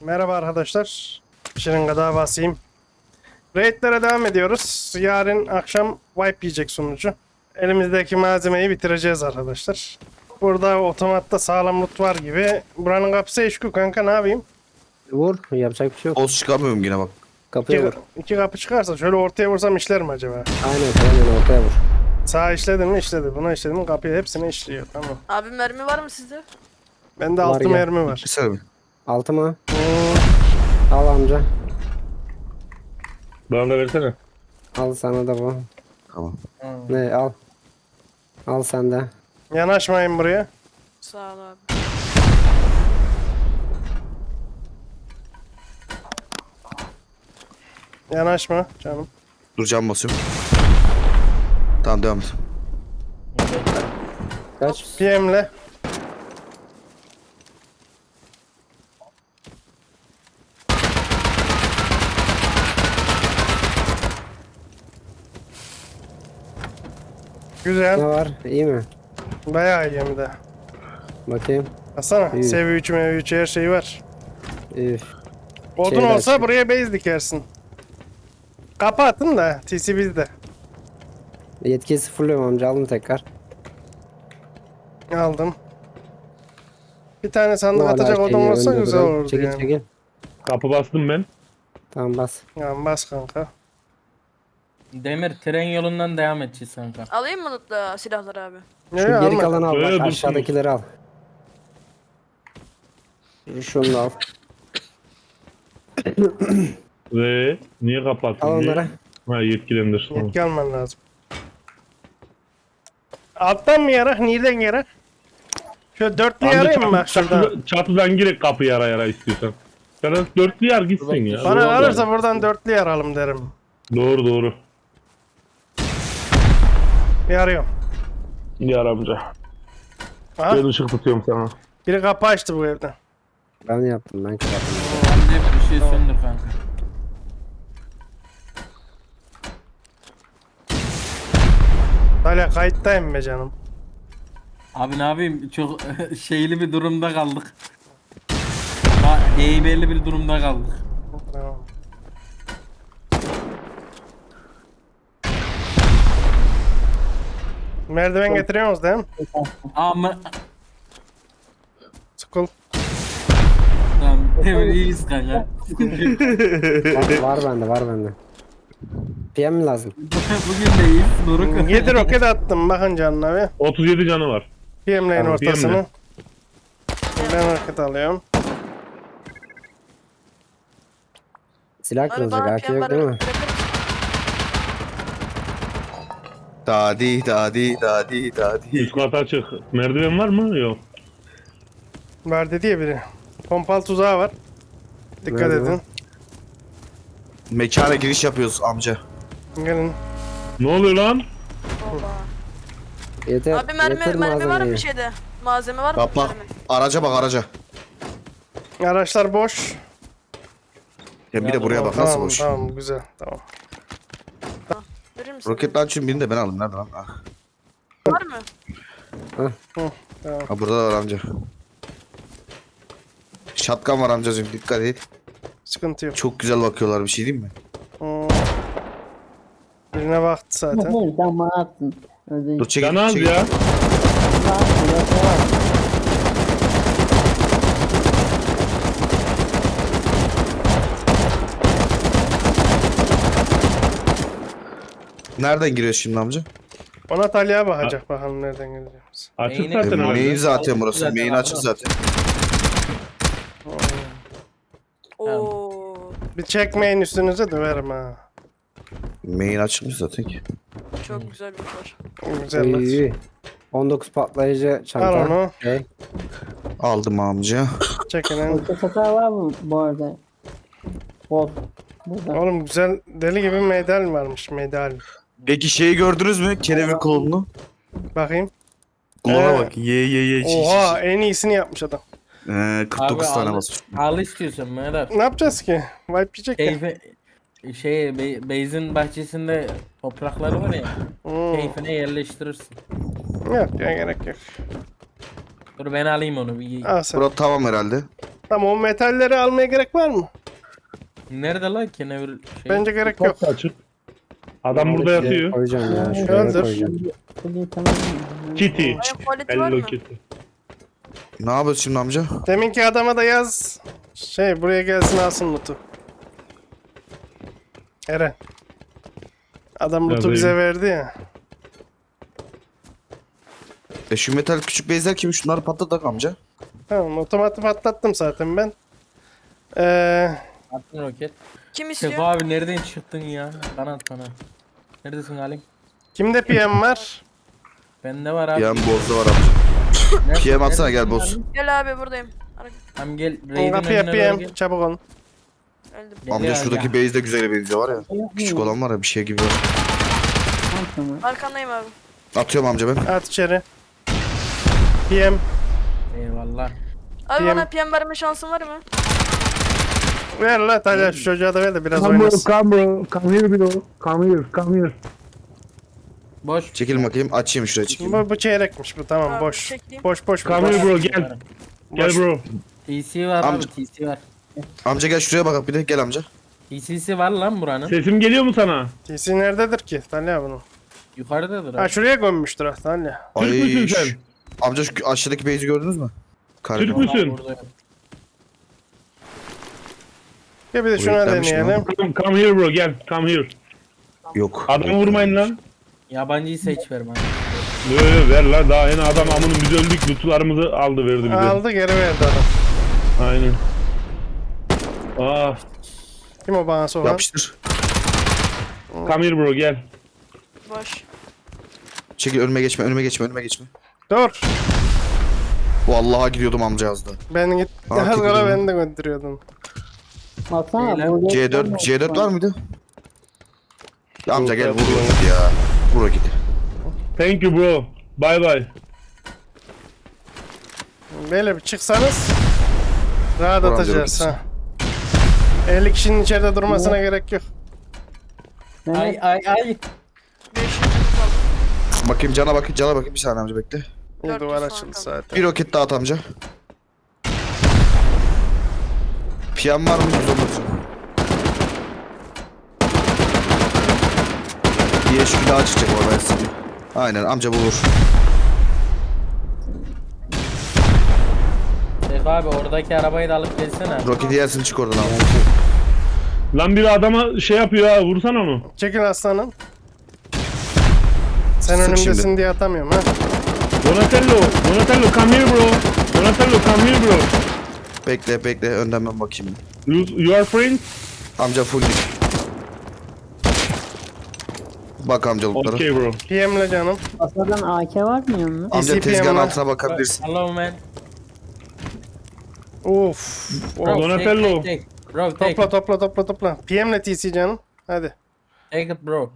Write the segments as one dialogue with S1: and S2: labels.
S1: Merhaba arkadaşlar. Şırınga daha basayım. Raidlere devam ediyoruz. Yarın akşam wipe yiyecek sunucu. Elimizdeki malzemeyi bitireceğiz arkadaşlar. Burada otomatta sağlam loot var gibi. Buranın kapısı eşku kanka, ne yapayım?
S2: Vur. Yapacak bir şey yok.
S3: Boz çıkamıyorum yine bak.
S2: Kapıya vur.
S1: İki kapı çıkarsa şöyle ortaya vursam işler mi acaba?
S2: Aynen ortaya vur.
S1: Sağ işledim mi işledi. Buna işledim mi kapıya hepsini işliyor. Tamam.
S4: Abi mermi var mı sizde?
S1: Bende
S2: Var
S1: 6
S2: ya.
S1: mermi var.
S3: Bir saniye.
S2: Altı mı? Al amca.
S5: Bana da versene.
S2: Al sana da bu.
S3: Tamam.
S2: Ne al. Al sen de.
S1: Yanaşmayın buraya.
S4: Sağ ol abi.
S1: Yanaşma canım.
S3: Dur cam basıyorum. Tamam devam et.
S2: Kaç?
S1: PM'le. Güzel.
S2: Ne var? İyi mi?
S1: Bayağı iyi hem de.
S2: Bakayım.
S1: Baksana.
S2: İyi.
S1: Seviye 3 mev 3 her şey var.
S2: Üf.
S1: Odun
S2: Şeyler
S1: olsa
S2: çık-
S1: buraya base dikersin. Kapı atın da TC bizde.
S2: Yetkiyi sıfırlıyorum amca. Alın tekrar.
S1: Aldım. Bir tane sandık
S2: Bu hala
S1: atacak odun
S2: şeyi
S1: olsa
S2: önde
S1: güzel
S2: duran.
S1: olurdu
S2: Çekil
S1: yani.
S2: çekil.
S5: Kapı bastım ben.
S2: Tamam bas.
S1: Ya bas kanka.
S6: Demir tren yolundan devam edeceğiz kanka.
S4: Alayım mı lootla silahları abi?
S2: Şu
S1: Ne
S2: geri
S1: alma.
S2: kalanı al.
S5: Öyle
S2: Bak
S5: dursun.
S2: aşağıdakileri al. Şunu da al.
S5: Ve niye kapattın?
S2: Al
S5: diye.
S2: onları.
S5: Ha yetkilendir. Tamam.
S1: Yetki alman lazım. Alttan mı yarak? Nereden yarak? Şöyle dörtlü
S5: Amca
S1: yarayım mı bak şuradan?
S5: çatıdan girek kapı yara yara istiyorsan. Sen dörtlü yar gitsin ya.
S1: Bana
S5: Doğru.
S1: kalırsa buradan dörtlü yaralım derim.
S5: Doğru.
S1: Yarıyorum.
S5: Yar amca.
S1: Aha,
S5: Ben ışık tutuyorum sana.
S1: biri kapı açtı bu evden.
S2: Ben yaptım. Ben kapattım.
S6: Ben de bir şey söndür kanka.
S1: Hala kayıttayım be canım.
S6: Abi ne yapayım çok şeyli bir durumda kaldık. Heybeli bir durumda kaldık.
S1: Tamam. Merdiven getiriyorsunuz değil mi?
S6: Ama
S1: School.
S6: tamam Demir iyiyiz kanka.
S2: Var bende. PM mi lazım?
S6: Bugün de iyiyiz. Doruk.
S1: 7 roket attım bakın canına bir.
S5: 37 canı var.
S1: PM'leyin
S2: Tamam,
S1: ortasını. Ben roket alıyorum.
S2: Silah
S4: Abi
S2: kırılacak.
S4: bana
S2: AK yok değil mi?
S4: bırakır mısın?
S3: Dadi.
S5: Üst kata açık. Merdiven var mı? Yok.
S1: Var dedi ya biri. Pompalı tuzağı var. Dikkat
S2: Nerede
S1: edin.
S3: Mekana giriş yapıyoruz amca.
S1: Gelin.
S5: Ne oluyor lan?
S4: Oha.
S2: Yeter.
S4: Abi mermi
S2: yeter
S4: var mı
S2: malzemeyi.
S4: bir şeyde? Malzeme var mı?
S3: Bak bak.
S4: Mermi.
S3: Araca bak araca.
S1: Araçlar boş.
S3: Ya bir de buraya bak nasıl
S1: Tamam
S3: boş.
S1: tamam güzel tamam.
S4: Verir misin?
S3: Roket launcher'ın birini de ben aldım. Nerede lan? Ah.
S4: Var mı?
S3: Ha burada da var amca. Shotgun var amcacığım dikkat et.
S1: Sıkıntı yok.
S3: Çok güzel bakıyorlar bir şey diyeyim mi?
S1: Hmm. Birine baktı zaten.
S7: Hayır damatsın.
S3: Dur çekil.
S5: Canı az
S3: çekil.
S5: ya.
S3: Nereden giriyor şimdi amca?
S1: Ona Talya'ya bakacak bakalım nereden geleceğimiz.
S5: Açık
S6: Neyine-
S5: zaten
S3: Main
S5: herhalde.
S3: zaten burası.
S6: Zaten
S3: Main
S6: abi.
S3: açık zaten.
S4: Oo.
S1: Bir çekmeyin üstünüze döverim ha.
S3: Main açıkmış zaten ki.
S4: Çok güzel bir var.
S1: Güzel lan.
S2: İyi. 19 patlayıcı çanta.
S1: Al onu.
S2: Şey.
S3: Aldım amca.
S1: Çekinin.
S7: Orta satar var mı bu arada? Bol. Burada.
S1: Oğlum güzel deli gibi medal varmış medal.
S3: Peki şeyi gördünüz mü? Kelebek klonunu.
S1: Bakayım.
S3: Klona
S1: Ee,
S3: bak. Ye.
S1: Oha en iyisini yapmış adam.
S3: 49
S6: Abi
S3: tane
S6: al,
S3: basmış.
S6: al istiyorsan Mehmet.
S1: Ne yapacağız ki? Wipe yiyecek ya.
S6: Keyfe Beyz'in bahçesinde toprakları var ya.
S1: Hmm.
S6: Keyfine yerleştirirsin.
S1: Yok ya gerek yok.
S6: Dur ben alayım onu bir.
S1: Al sen.
S3: Bura tamam herhalde.
S1: Tamam, o metalleri almaya gerek var mı?
S6: Nerede lan kenevir şey?
S1: Bence gerek yok.
S5: Çok da açık. Adam burada yatıyor.
S2: Koyacağım ya. Şuraya
S1: Öldür.
S2: koyacağım.
S7: Fully tamam.
S5: Kitty.
S4: Ayak quality var
S5: Hello
S4: mı?
S5: Kitty.
S3: Ne yapıyorsun şimdi amca?
S1: Deminki adama da yaz. Buraya gelsin alsın loot'u. Eren. Adam loot'u
S5: Yazayım.
S1: bize verdi ya.
S3: Şu metal küçük bezler kimi? Şunları patlatak amca.
S1: Tamam, otomatik patlattım zaten ben.
S6: Attın roket.
S4: Kim
S6: Sefa
S4: istiyor?
S6: abi nereden çıktın ya? Bana at bana. Neredesin Halim?
S1: Kimde PM var?
S6: Bende var abi.
S3: PM bozda var amca.
S6: Nerede-
S3: PM atsana
S6: neredesin
S3: gel boz.
S6: Halim?
S4: Gel abi buradayım.
S6: Tamam gel. Raid'in
S1: Kapıya
S6: önüne doğru
S1: PM.
S6: gel.
S1: Çabuk olun.
S4: Öldüm.
S6: Gel
S3: Amca
S6: ya,
S3: şuradaki
S6: gel.
S3: base de güzel benziyor var ya. Küçük olan var ya bir şey gibi.
S7: Tamam.
S4: Arkandayım abi.
S3: Atıyorum amca ben.
S1: At içeri. PM.
S6: Eyvallah.
S4: Abi
S1: PM.
S4: bana PM verme şansın var mı?
S1: Ver la Talya, şu çocuğa da ver de biraz
S8: Come bro,
S1: oynasın.
S8: come bro. Come here bro. Come here, come here.
S6: Boş.
S3: Çekilin bakayım açayım şuraya çekeyim.
S1: Bu çeyrekmiş bu, tamam,
S4: Abi,
S1: boş.
S4: çekeyim.
S1: Boş boş.
S5: Come
S1: boş.
S5: here bro gel. Gel
S1: Boş.
S5: bro.
S6: TC var
S3: Amca-
S6: abi TC var.
S3: Amca gel şuraya bak bir de gel amca.
S6: TC'si var lan buranın.
S5: Sesim geliyor mu sana?
S1: TC nerededir ki Talya bunun?
S6: Yukarıdadır
S1: Ha,
S6: abi.
S1: şuraya gömmüştür ha Talya.
S5: Türk müsün sen?
S3: Amca şu aşağıdaki base'i gördünüz mü? Kargo.
S5: Türk müsün?
S6: Burada.
S1: Ya bir de
S3: Bu
S1: şuna
S3: yüklenmiş mi
S1: deneyelim.
S5: Come here bro gel. Come here.
S3: Yok.
S5: Adamı vurmayın lan.
S6: Yabancıyı seç ver bana.
S5: Yo, ver lan, daha yeni adam amının biz öldük. Lootlarımızı aldı verdi bize.
S1: Aldı, geri verdi adam.
S5: Aynen.
S1: Kim o bana soran?
S3: Yapıştır.
S5: Come here bro gel.
S4: Boş.
S3: Çekil önüme geçme önüme geçme önüme geçme.
S1: Dur.
S3: Vallahi gidiyordum amca yazdı.
S1: Ben git.
S3: Ha,
S1: Az kala
S3: gidiyorum.
S1: beni de götürüyordun.
S7: Baksana.
S6: Beyler,
S7: burada
S3: C4 var mıydı? Ya amca gel
S5: Yok,
S3: vur
S5: yok.
S3: git ya. Vur git.
S5: Thank you bro. Bye bye.
S1: Böyle bir çıksanız rahat
S3: Buram
S1: atacağız
S3: canım
S1: ha. 50 kişinin içeride durmasına gerek yok.
S6: Ay
S7: Mehmet
S6: ay ay.
S4: 500 kaldı.
S3: Bakayım cana bakayım bir saniye amca bekle.
S1: Bir
S4: 400
S1: duvar
S4: falan
S1: açıldı
S4: kaldı.
S1: zaten.
S3: Bir roket daha at amca. PM var mı? 110 Bir eşki daha çıkacak o ben size. Aynen amca bu vur.
S6: Sefa abi oradaki arabayı da alıp gelsene.
S3: Roketi yersin çık oradan abi.
S5: Lan biri adama şey yapıyor ha, vursana onu.
S1: Çekil aslanım. Sen
S3: Sık
S1: önümdesin
S3: şimdi.
S1: diye atamıyorum ha.
S5: Donatello come here bro. Donatello come here bro.
S3: Bekle önden ben bakayım.
S5: You are friends?
S3: Amca full dik. Bak amcalıklara.
S5: Okay bro.
S1: PM'le canım.
S7: Asadan AK var mı yanında?
S3: Amca
S1: ECPM
S3: tezgahın
S1: var.
S3: altına bakabilirsin.
S6: Hello man.
S1: Of.
S6: Bro,
S5: Donatello.
S6: take. Bro take
S1: Topla. PM'le TC canım. Hadi.
S6: Take it bro.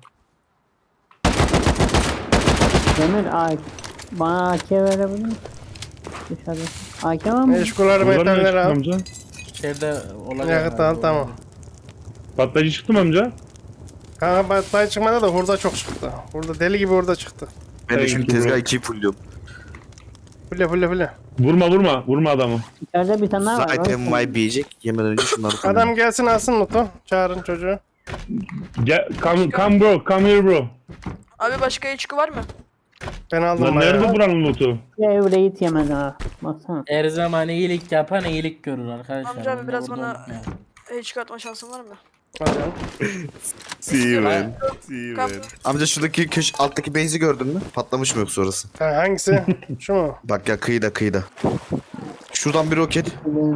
S7: Demir AK. Bana AK verebilir misin? Dışarıda. AK var mı?
S1: Eşkuları
S5: Buradan ne
S1: metalleri
S5: çıktı
S1: al.
S5: amca?
S6: İçeride olacak.
S1: Yakıt al, tamam.
S5: Patlayıcı çıktı mı amca?
S1: Kanka battay çıkmadı da hurda çok çıktı. Hurda deli gibi hurda çıktı.
S3: Ben de şimdi
S5: Thank you,
S3: tezgah
S5: bro.
S3: 2'yi fullliyorum.
S1: Fulle.
S5: Vurma adamı.
S7: İçeride bir tane daha var.
S3: Zaten my diyecek. Yemeden önce şunları fullliyorum.
S1: Adam gelsin alsın loot'u. Çağırın çocuğu.
S5: Gel, come bro, come here bro.
S4: Abi başka içki var mı?
S1: Ben aldım
S5: Lan
S1: bayağı.
S5: nerede buranın lootu?
S7: Evreyi yemedi ha. Baksana.
S6: Her zaman iyilik yapan iyilik görür arkadaşlar.
S4: Amca abi
S6: Bunu
S4: biraz
S6: burada
S4: bana
S6: unutmayın.
S4: hiç atma şansın var mı?
S1: Hadi.
S3: See you
S6: man.
S4: Kap.
S3: Amca şuradaki alttaki base'i gördün mü? Patlamış mı yoksa orası?
S1: Ha, hangisi? Şu mu?
S3: Bak ya kıyıda. Şuradan bir roket.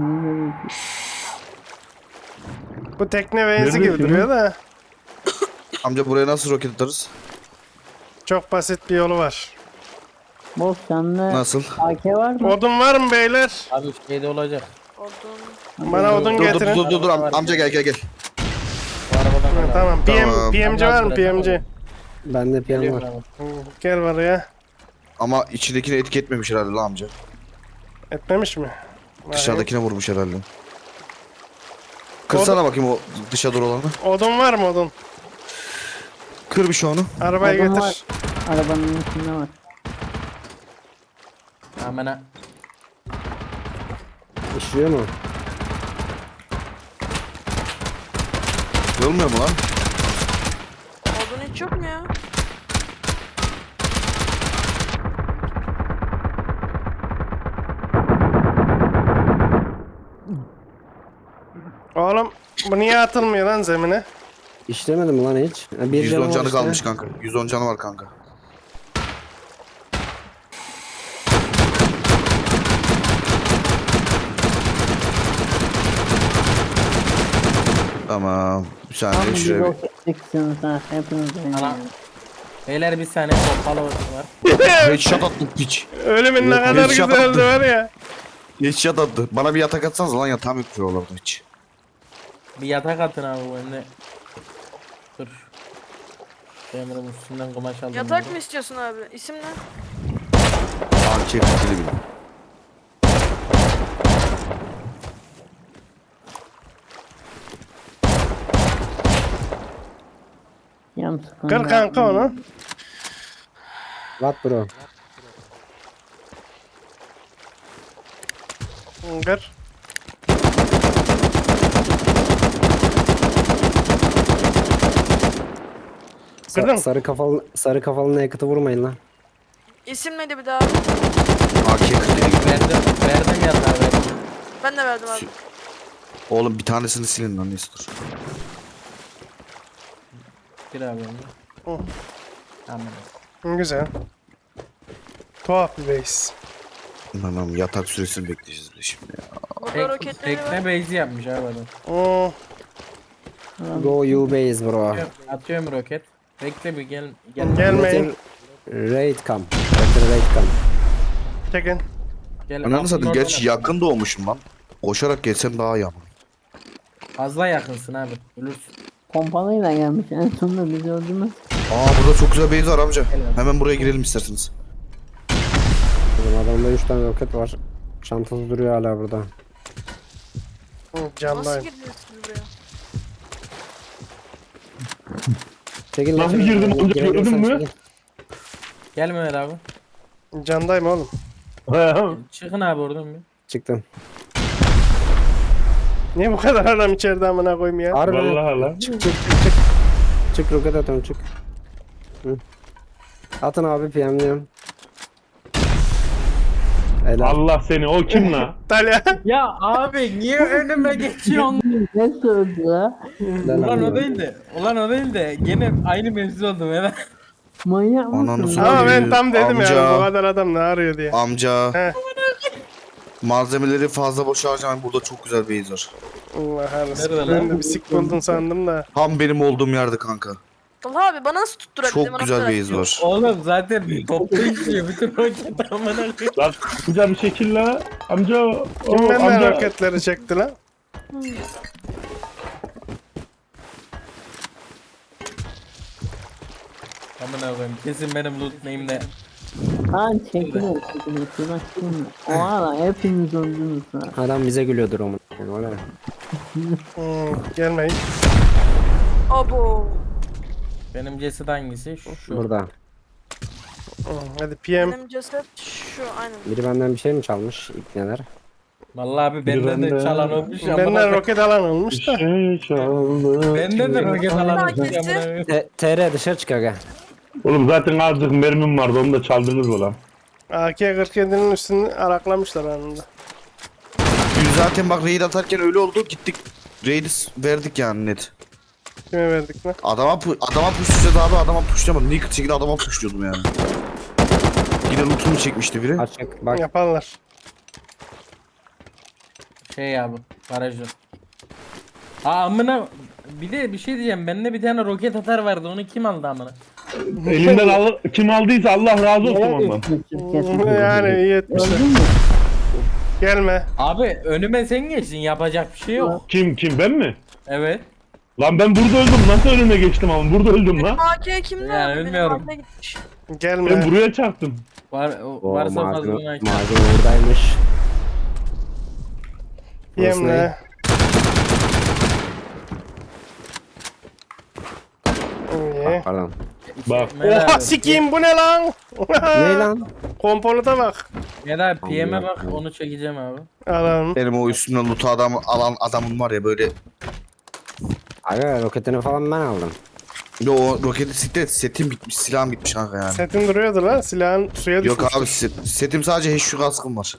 S1: Bu tekne benzi gibi
S5: Neredesin?
S1: duruyor da.
S3: Amca buraya nasıl roket atarız?
S1: Çok basit bir yolu var.
S7: Boş sende
S3: Nasıl?
S7: AK var mı?
S1: Odun var mı beyler?
S6: Abi şeyde olacak.
S4: Odun.
S1: Bana odun
S3: Dur
S1: getirin.
S3: amca gel.
S6: Bu arabadan
S1: Ha,
S6: al.
S1: tamam.
S3: Tamam.
S1: PMC var mı PMC?
S2: Bende PM
S6: Geliyor
S2: var.
S6: abi.
S1: Gel buraya.
S3: Ama içindekini etki etmemiş herhalde lan amca.
S1: Etmemiş mi?
S3: Dışarıdakine vurmuş herhalde. Kırsana bakayım o dışa doğru olanı.
S1: Odun var mı odun?
S3: Kır bir şu onu.
S1: Arabayı
S7: Odun
S1: getir.
S7: var. Arabanın içinde var.
S6: Amına.
S2: İşliyor mu?
S3: Kırılmıyor mu lan?
S4: Odun hiç yok mu ya?
S1: Oğlum bu niye atılmıyor lan zemine?
S2: İşlemedi mi lan hiç? Ha, bir
S3: 110
S2: var
S3: canı
S2: işte.
S3: kalmış kanka. 110 canı var kanka. Tamam. Bir
S7: Tam
S3: saniye
S7: bir
S3: şuraya bir.
S7: roket çıksınız ha. Hepiniz
S6: Ana. Beyler bir saniye pompalı var.
S3: Headshot attı piç.
S1: Ölümün ne
S3: Yok,
S1: kadar
S3: headshot
S1: güzeldi
S3: attı.
S1: var ya.
S3: Headshot attı. Bana bir yatak atsanız lan yatağım yok oralarda hiç.
S6: Bir yatak atın abi bu önüne. Dur. Emre'nin üstünden kumaş aldım.
S4: Yatak mı istiyorsun abi? İsim ne?
S3: AK kutili gibi.
S7: Yam sıkın.
S1: Kır kanka onu.
S2: What bro?
S1: Kır. Kırdın.
S2: Sarı kafalı yakıtı vurmayın lan.
S4: İsim neydi bir daha?
S3: AK kutili gibi.
S6: Verdim yatağı verdim.
S4: Ben de verdim abi.
S3: Oğlum bir tanesini silin lan neyse dur.
S6: Bir abi önüne.
S1: Hı.
S6: Tamam.
S1: Güzel. Tuhaf bir base.
S3: Tamam yatak süresini bekleyeceğiz bir şimdi ya.
S4: Burada roketleri var.
S6: Tekne base'i yapmış abi adam.
S2: Go you base bro.
S6: Atıyorum roket. Bekle bir gel.
S1: Gelmeyin.
S2: Raid come. Better raid come.
S1: Çekin.
S6: Gel.
S3: Ananı
S6: Aklın
S3: satayım
S6: oradan
S3: gerçi
S6: at.
S3: yakın doğmuşum lan. Koşarak gelsem daha iyi ama.
S6: Fazla yakınsın abi. Ölürsün.
S7: Pompalıyla gelmiş. En sonunda bizi öldürmez.
S3: Aa burada çok güzel base var amca.
S6: Helal.
S3: Hemen buraya girelim isterseniz.
S2: Oğlum adamda 3 tane roket var. Çantası duruyor hala burada.
S4: Nasıl
S1: Camdayım.
S4: girdiniz siz buraya?
S2: Çekil
S5: Nasıl
S2: şöyle.
S5: girdim amca,
S2: Girebilirsen
S5: gördün mü?
S2: çekil.
S6: Gel Mehmet abi.
S1: Camdayım oğlum.
S6: Çıkın abi oradan bir.
S2: Çıktım.
S1: Niye bu kadar adam içeride amına koyayım ya?
S2: Harbi.
S5: Vallahi lan.
S2: Çık. Çık roket atıyorum çık. Hı. Atın abi PM'liyorum. Helal.
S5: Allah seni o kim la?
S1: Talya.
S6: Ya abi niye önüme geçiyorsun?
S7: Ne söyledi la?
S2: Helal
S6: Ulan o
S2: abi.
S6: değil de. Ulan o değil de. Gene aynı mevzu oldu Mehmet.
S7: Manyak
S3: Ananı
S7: mısın?
S3: satayım.
S1: Ama ben tam dedim
S3: Amca.
S1: yani bu kadar adam ne arıyor diye.
S3: Amca.
S1: He.
S3: Malzemeleri fazla boşa harcamayın. Burada çok güzel base var.
S1: Allah
S6: Nerede
S1: Allah.
S6: lan?
S1: Ben de bir sik buldun sandım da.
S3: Tam benim olduğum yerde kanka.
S4: Talha abi bana nasıl tutturabildin?
S3: Çok güzel base var.
S6: Oğlum zaten toplu işliyor. Bütün roket amına koyayım.
S5: Lan amca bir şekil la. Amca o
S1: Kim benden
S5: amca.
S1: roketleri çekti lan?
S6: Amına koyayım. Kesin benim loot name'de.
S7: Ha çekilir. Şuna şimdi. O ara hepiniz öldünüz ha.
S2: Adam bize gülüyordur onun. Öyle mi?
S1: Gelmeyin.
S4: Abo.
S6: Benim ceset hangisi? Şu.
S2: Burada.
S1: Hadi PM.
S4: Benim ceset şu aynen.
S2: Biri benden bir şey mi çalmış? İpneler.
S6: Vallahi abi benden de
S5: benden-
S6: çalan olmuş amına
S1: Benden
S6: koyayım.
S1: roket alan olmuş da.
S5: Şey çaldı.
S6: Benden de roket alan olmuş
S4: Hangisi?
S6: amına koyayım.
S2: TR dışarı çık aga.
S5: Oğlum zaten azıcık mermim vardı onu da çaldınız mı lan?
S1: AK-47'nin üstünü araklamışlar anında.
S3: Biz zaten bak raid atarken öyle oldu. Gittik raid'i verdik yani net.
S1: Kime verdik lan?
S3: Adama pushlayacağız abi. Adama pushlamadım. Naked şekilde adama pushluyordum yani. Yine lootumu çekmişti biri.
S2: Açık. Bak.
S1: Yaparlar.
S6: Şey abi. Barajı. Aa amına. Bir de bir şey diyeceğim. Bende bir tane roket atar vardı. Onu kim aldı amına?
S5: Elinden kim aldıysa Allah razı olsun ondan.
S1: Yani iyi etmişler.
S7: Öldün mü?
S1: Gelme.
S6: Abi önüme sen geçtin. Yapacak bir şey yok.
S5: Kim ben mi?
S6: Evet.
S5: Lan ben burada öldüm. Nasıl önüne geçtim ama burada öldüm lan.
S4: AK kimde
S6: Yani
S4: abi? Benim
S6: bilmiyorum.
S4: AK gitmiş.
S5: Ben
S1: Gelme.
S5: buraya çarptım.
S2: O
S6: Varsa fazla
S2: malzeme
S6: onu aç.
S2: oradaymış.
S1: Yemle. İyi.
S2: Pardon.
S5: Bak.
S1: Oha sikiyim bu ne lan?
S2: Ne lan?
S1: Komponata bak.
S6: Meda PM'e bak onu çekeceğim abi.
S1: Adam.
S3: Benim o üstümden loot'u alan adamın var ya böyle
S2: Aga roketini falan ben aldım.
S3: Yo o roketi siklet setim bitmiş silahım bitmiş kanka yani.
S1: Setin duruyordu lan. Silahın suya düşmüş.
S3: Yok abi setim sadece HQ kaskım var.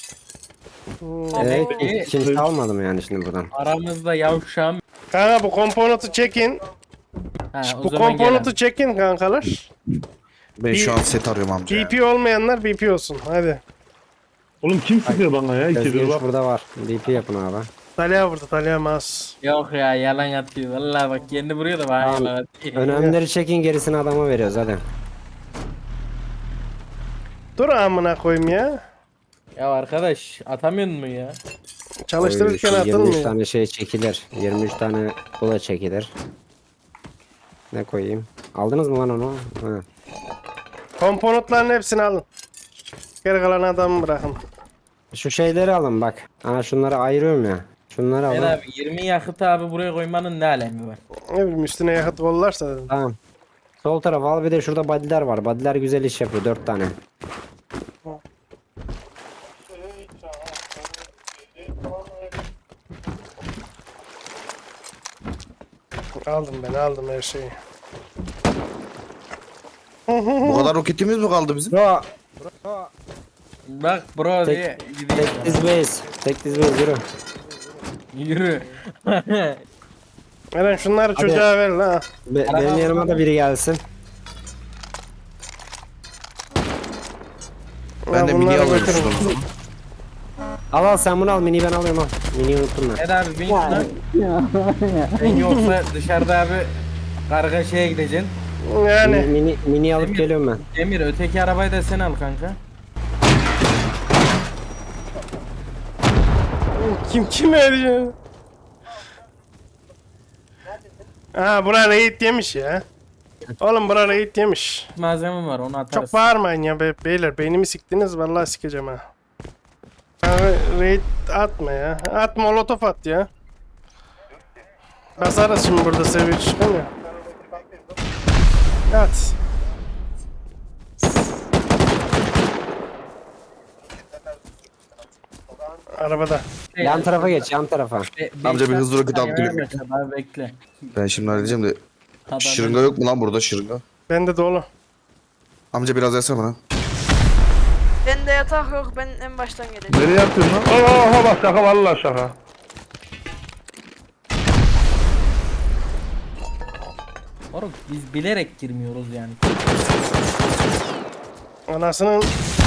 S2: Evet
S6: iyi.
S2: kimse almadım yani şimdi buradan.
S6: Aramızda yavşağım.
S1: Kanka bu komponatı çekin.
S6: Ha, o
S1: Bu
S6: zaman
S1: komponatı çekin kankalar.
S3: Ben şu an set arıyorum amca. ya.
S1: BP olmayanlar BP olsun. Hadi.
S5: Oğlum kim sıkıyor bana ya? İkidir
S2: Özgürüş
S5: bak.
S2: burada var. DP yapın abi.
S1: Talya burada. Talya mouse.
S6: Yok ya yalan atıyor. Vallahi bak kendi vuruyor da bana
S2: Tamam.
S6: yalan atıyor.
S2: Önemlileri çekin gerisini adama veriyoruz hadi.
S1: Dur amına koyayım ya.
S6: Ya arkadaş atamıyor mu ya?
S1: Çalıştırırken
S2: Oy, şu 23
S1: atılmıyor.
S2: tane şey çekilir. 23 tane bula çekilir. Ne koyayım? Aldınız mı lan onu? Ha.
S1: Komponentlerin hepsini alın. Geri kalan adamı bırakın.
S2: Şu şeyleri alın bak. Ana şunları ayırıyorum ya. Şunları
S6: Ben
S2: alın.
S6: abi 20 yakıtı abi buraya koymanın ne alemi var?
S1: Ne bileyim üstüne yakıt kollarsa dedim.
S2: Tamam. Sol taraf al bir de şurada body'ler var. Body'ler güzel iş yapıyor 4 tane.
S1: Aldım her şeyi.
S3: Bu kadar roketimiz mi kaldı bizim?
S2: Bro.
S6: Bak bro
S2: Tek-
S6: diye gidiyor.
S2: Tek diz base. Tek diz base yürü.
S6: Yürü.
S1: Eren şunları çocuğa ver la.
S2: Benim yanıma da biri gelsin.
S3: Ben de mini
S1: bunları
S3: alıyorum
S1: götürün.
S3: şuradan.
S2: Al sen bunu al. Mini ben alıyorum al. Mini unuttum ben.
S6: Ed abi bin şuna. Ben yoksa dışarıda abi karga şeye gideceksin.
S1: Yani
S2: Mini alıp geliyorum ben.
S6: Demir öteki arabayı da sen al kanka.
S1: kim ödeyecek? Ha bura raid yemiş ya. Oğlum bura raid yemiş.
S6: Malzeme var onu atarız.
S1: Çok bağırmayın ya beyler. Beynimi siktiniz vallahi sikeceğim ha. Raid atma ya. At molotof at ya. Basarız şimdi burada seviye çıkamıyor. At. Arabada.
S2: Yan tarafa geç yan tarafa.
S3: Amca bir hızlı roket alıp geliyorum.
S6: Abi bekle.
S3: Ben şimdi halledeceğim de.
S6: Adam-
S3: Şırınga yok mu lan burada şırınga?
S1: Bende dolu.
S3: Amca biraz versene bana.
S4: Bende yatak yok. Ben en baştan geleceğim.
S5: Nereye yapıyorsun lan? Oha bak şaka vallahi şaka.
S6: Oğlum biz bilerek girmiyoruz yani.
S1: Anasının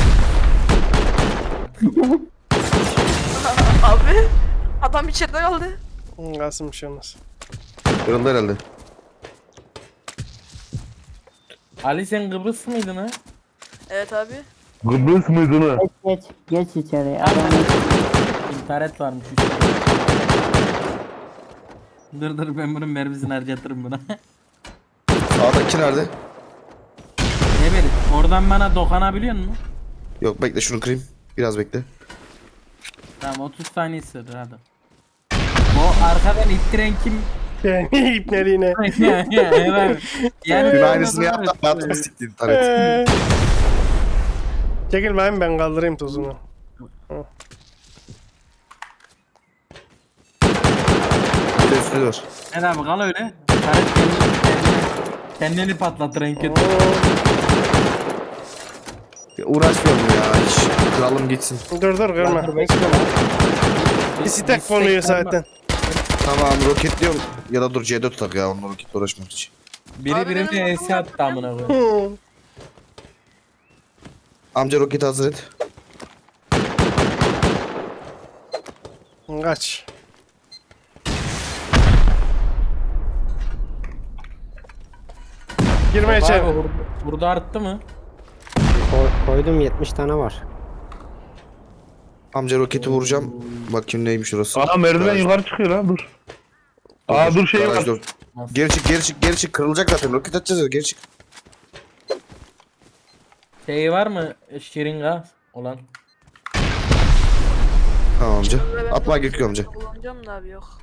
S4: Abi. Adam içeride kaldı.
S1: Kasım bir şey olmaz.
S3: Kırıldı herhalde.
S6: Ali sen Kıbrıs mıydın ha?
S4: Evet abi.
S5: Kıbrıs mıydın ha?
S7: Geç içeriye. Adam
S6: İnternet varmış üstüne. Dur ben bunun mermisini harcatırım buna.
S3: Sağdaki nerede?
S6: Ne bileyim oradan bana dokanabiliyor musun?
S3: Yok bekle şunu kırayım. Biraz bekle.
S6: Tamam 30 saniye sürdü hadi. O arkadan ittiren kim?
S1: Yani ipneliğine.
S6: Evet. Yani
S3: Dün aynısını yaptım. Hayatımı sikti internet.
S1: Çekil ben kaldırayım tozunu.
S3: Bir de üstüne dur.
S6: Ne abi kal öyle. Taret kendini patlatır en kötü.
S3: Ya uğraşmıyorum ya hiç. Kralım gitsin.
S1: Dur kırma.
S6: Dur bekle lan.
S1: Bir stek konuyor zaten.
S3: Tamam roketliyorum. Ya da dur C4 tak ya onunla roketle uğraşmak için.
S6: Biri
S4: Abi
S6: birine
S4: benim
S6: ES attı amına koyayım.
S3: Amca roketi hazır et.
S1: Kaç. Girme içeri.
S6: Abi, burada arttı mı?
S2: Koydum 70 tane var.
S3: Amca roketi vuracağım. Bakayım neymiş orası.
S5: Aa merdiven
S3: Garaj-
S5: yukarı çıkıyor lan dur. Aa dur şey
S3: garaj
S5: var.
S3: dur. Geri çık kırılacak zaten roket atacağız ya geri çık.
S6: Şey var mı şırınga olan?
S3: Tamam amca.
S4: Ve ben
S3: Atma
S4: çok
S3: gerekiyor amca.
S4: Kullanacağım da abi yok.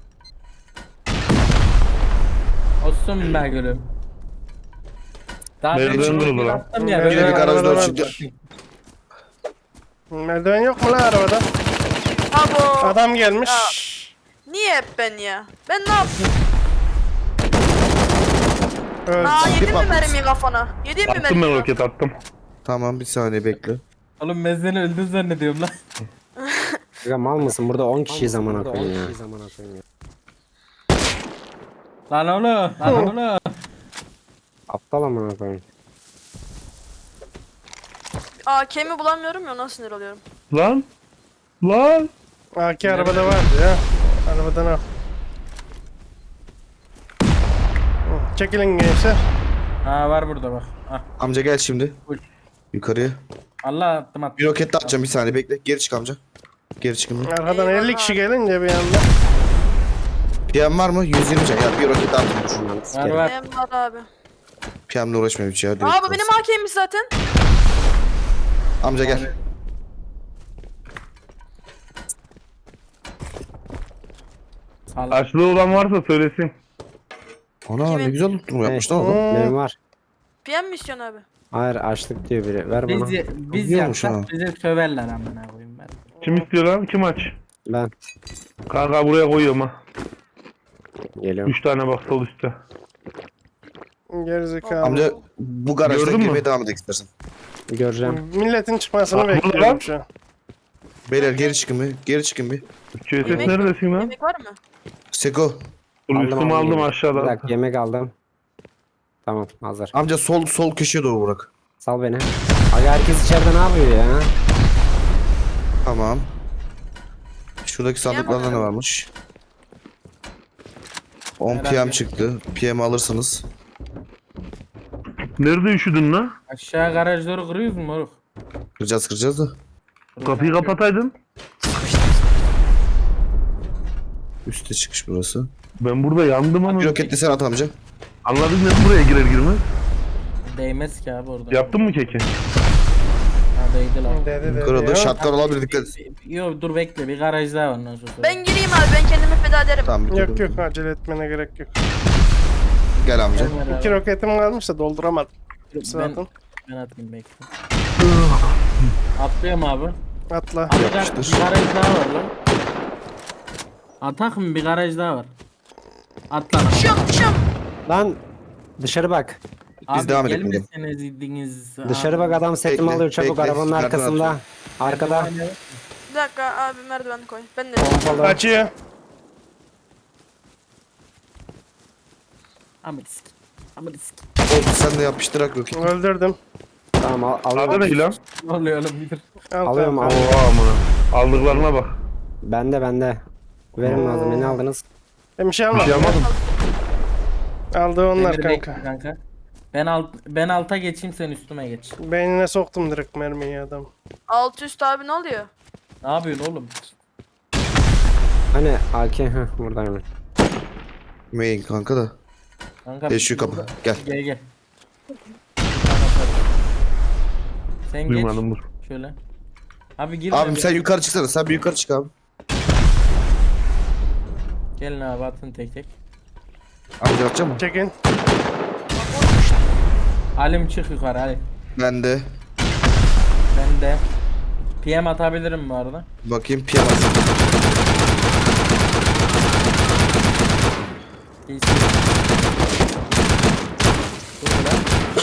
S6: Olsun be gülüm. Daha
S5: Merdiven
S6: ben
S5: durdu lan.
S6: attım ya.
S1: Merdiven
S3: Geri
S6: Böyle
S3: garaj
S1: arabada
S3: door
S1: vardır.
S3: çıktı.
S1: Merdiven yok mu lan arabada?
S4: Abo.
S1: Adam gelmiş.
S4: Niye hep ben ya? Ben ne yaptım?
S1: Öldü.
S4: Aa yedin mi
S3: patlat.
S4: mermiyi kafana? Yedin mi
S5: Attım
S4: mermiyi?
S5: ben roket attım.
S3: Tamam bir saniye bekle.
S6: Oğlum ben seni öldün zannediyorum lan.
S2: Ya mal mısın? Burada 10 kişi zaman koyayım ya.
S6: Lan oğlum. Lan oğlum.
S2: Aptal amına koyayım.
S4: AK'mi bulamıyorum ya, ona sinir oluyorum.
S5: Lan. Lan.
S1: AK arabada vardı ya. Arabadan al. Çekilin gençler.
S6: Ha var burada bak. Ah.
S3: Amca gel şimdi.
S6: Buyur.
S3: Yukarıya.
S6: Allah attım attım.
S3: Bir roket daha atacağım bir saniye bekle. Geri çık amca. Geri çıkın.
S1: Arkadan
S4: Eyvallah.
S1: 50 kişi gelince bir anda.
S3: PM var mı? 120 can. Ya bir roket daha atayım. Dur.
S2: Aman
S6: Var
S2: sikerim.
S6: var.
S4: Benim var abi.
S3: PM'le uğraşmayayım hiç ya. direkt
S4: Aa bu
S3: kalsın.
S4: benim AK'ymiş zaten.
S3: Amca gel.
S6: Sal.
S5: Açlığı olan varsa söylesin.
S3: Ana
S4: Kimin?
S3: ne güzel tuttum yapmış lan
S2: Hey,
S3: adam.
S2: benim var.
S4: PM mi istiyorsun abi?
S2: Hayır açlık diyor biri. Ver bana.
S6: Biz
S3: Biliyormuş ha.
S6: yapsak bize söverler amına koyayım ben.
S5: Kim istiyor lan? Kim aç?
S2: Ben
S5: Kanka buraya koyuyorum ha.
S2: geliyorum.
S5: 3 tane bak sol üstte.
S1: Gerizekalı.
S3: Amca bu garajdan
S5: Gördün mü?
S3: girmeye devam edelim istersen.
S2: Göreceğim.
S1: Milletin çıkmasını
S5: Bak, burada
S1: bekliyorum
S5: lan.
S1: şu an.
S3: Beyler geri çıkın bir. Geri çıkın bir.
S5: QSS
S4: Yemek-
S5: neredesin lan?
S4: Yemek var mı?
S3: Seko.
S5: Dur üstümü aldım
S2: Bir
S5: aşağıda.
S2: dakika yemek aldım. Tamam hazır.
S3: Amca sol köşeye doğru bırak.
S2: Sal beni. Aga herkes içeride ne yapıyor ya?
S3: Tamam. Şuradaki sandıklarda ne varmış? 10 PM
S6: Herhalde.
S3: çıktı. PM alırsınız.
S5: Nerede üşüdün lan?
S6: Aşağı garajları kırıyoruz mu moruk?
S3: Kıracağız da.
S5: Kapıyı kapataydın.
S3: Üste çıkış burası.
S5: Ben burada yandım ama.
S3: Bir roket de sen at amca.
S5: Anladın mı buraya girer girmez?
S6: Değmez ki abi orada.
S5: Yaptın mı keki?
S6: Ha değdi lan.
S1: Dedi
S3: Kırıldı.
S1: ya.
S3: Şartlar olabilir dikkat et.
S6: Yo dur bekle bir garaj daha var ondan sonra.
S4: Ben gireyim abi, ben kendimi feda ederim.
S3: Tamam bir
S1: Yok
S3: dur.
S1: yok acele etmene gerek yok.
S3: Gel amca.
S6: Gel ver abi.
S1: 2 roketim kalmış da dolduramadım.
S6: Ben,
S1: Zaten.
S6: ben atayım bekle. Atlıyorum abi.
S1: Atla.
S6: Abi bir
S3: Yapıştır.
S6: garaj daha var lan. Atak mı? Bir garaj daha var. Atla lan.
S4: Düşüyorum.
S2: Lan dışarı bak.
S3: Biz devam edelim buradan.
S6: gelmeseniz idiniz.
S2: Dışarı bak adam setimi
S3: Bekle,
S2: alıyor çabuk
S3: bekle.
S2: arabanın
S3: Nereden
S2: arkasında.
S3: atıyor?
S2: Arkada.
S4: Bir dakika abi, merdiven koy. Ben de.
S2: Pompalı.
S1: Kaçıyor.
S6: Amına sik. Amına sik.
S3: Oldu sen de yapıştırak roket.
S1: Öldürdüm.
S2: Tamam
S5: Adı
S2: alıyorum.
S5: ne lan?
S6: Ne oluyor oğlum bir.
S1: Al,
S2: Alıyorum
S1: tamam.
S2: alıyorum.
S5: Oha amına. Aldıklarına bak.
S2: Bende. Verin malzemeyi ne aldınız?
S1: Ben bir şey
S5: Bir
S1: almadım.
S5: şey yapmadım.
S1: Aldı onlar
S6: Demir
S1: kanka.
S6: bekle kanka. Ben alta geçeyim sen üstüme geç.
S1: Beynine soktum direkt mermiyi adam.
S4: Alt üst abi, ne oluyor?
S6: Ne yapıyorsun oğlum?
S2: Hani AK burada hemen.
S3: Main kanka da.
S6: Kanka
S3: Şu kapı. Gel.
S6: Gel. Sen
S5: Duymadım dur.
S6: geç şöyle. Abi gir.
S3: Abim
S6: abi.
S3: sen yukarı çıksana. Sen bir yukarı çık abi.
S6: Gelin abi atın tek tek.
S3: Amca atacak mı?
S1: Çekin.
S6: Halim çık yukarı hadi.
S3: Ben de.
S6: Ben de. PM atabilirim bu arada.
S3: Bakayım PM atacağım.
S6: İyisin. Dur lan.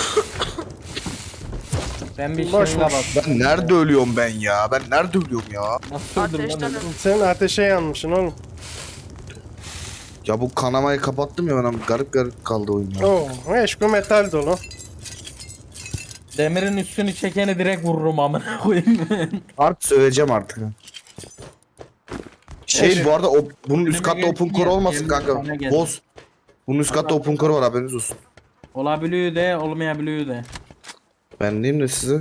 S6: Ben bir
S1: Boş
S6: şırınga
S1: boş.
S6: bastım.
S3: Ben nerede ölüyorum ben ya? Ben nerede ölüyorum ya?
S6: Nasıl öldüm lan?
S4: Ateşten
S6: öyle?
S1: Sen ateşe yanmışsın oğlum.
S3: Ya bu kanamayı kapattım ya ben ama garip kaldı oyun ya.
S1: Oo, eşku metal dolu.
S6: Demirin üstünü çekeni direkt vururum amına koyayım.
S3: Artık söyleyeceğim artık.
S1: Neyse.
S3: Bu arada bunun üst katta
S6: Önüme
S3: open
S6: geçti
S3: core
S6: ya,
S3: olmasın
S6: yemin
S3: kanka.
S6: sana geldi.
S3: Boz. Bunun üst katta open core var haberiniz olsun.
S6: Olabiliyor de olmayabiliyor de.
S3: Ben diyeyim de size.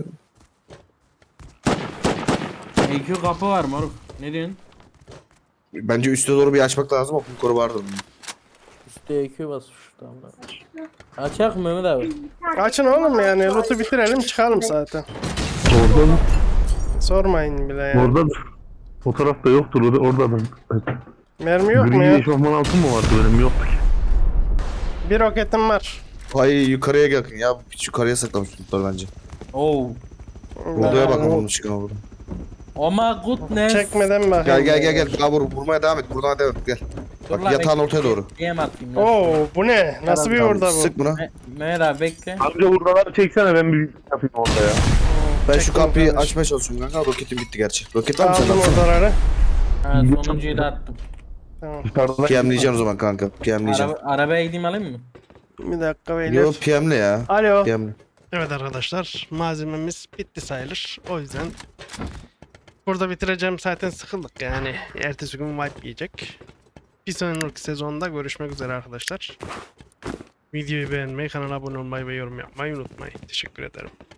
S6: EQ kapı var moruk. Ne diyorsun?
S3: Bence üste doğru bir açmak lazım open core vardır.
S6: Üstte EQ basmış tamam. Açak mı Mehmet abi?
S1: Açın oğlum yani loot'u bitirelim çıkalım zaten.
S5: Orada mı?
S1: Sormayın bile yani.
S5: Oradadır. Fotoğrafta yoktur oradadır.
S1: Mermi yok mu
S5: Gri
S1: ya?
S5: eşofman altın mı vardı benim yoktu ki.
S1: Bir roketim var.
S3: Hayır yukarıya yakın ya. Hiç yukarıya saklamış tutlar bence.
S6: Oo.
S3: Odaya bakalım onun çıkın oradan.
S6: Oh my goodness.
S1: Çekmeden bakayım.
S3: Gel. Daha vurmaya devam et. Buradan devam et gel.
S6: Dur lan,
S3: Bak yatağın
S6: bekle,
S3: ortaya doğru.
S6: DM atayım lan.
S1: Oo bu ne? Nasıl bir orada bu?
S3: Sık buna.
S6: Mehmet abi bekle.
S5: Amca hurdaları çeksene ben bir yapayım orada ya.
S3: Ben şu
S1: Çektim
S3: kapıyı
S1: kardeşim.
S3: açmaya çalışıyorum kanka. Roketim bitti gerçi. Roket var mı
S1: Aldım
S3: sende?
S1: oradaları.
S6: Ha, sonuncuyu da attım.
S1: Tamam.
S5: Dışarıda
S3: PM'leyeceğim o zaman kanka. PM'leyeceğim.
S6: Arabaya gideyim alayım mı?
S1: Bir dakika beyler.
S3: Yo PM'le ya.
S1: Alo.
S3: PM'le.
S1: Evet arkadaşlar malzememiz bitti sayılır. O yüzden burada bitireceğim, zaten sıkıldık yani. Ertesi gün wipe yiyecek. Bir sonraki sezonda görüşmek üzere arkadaşlar. Videoyu beğenmeyi, kanala abone olmayı ve yorum yapmayı unutmayın. Teşekkür ederim.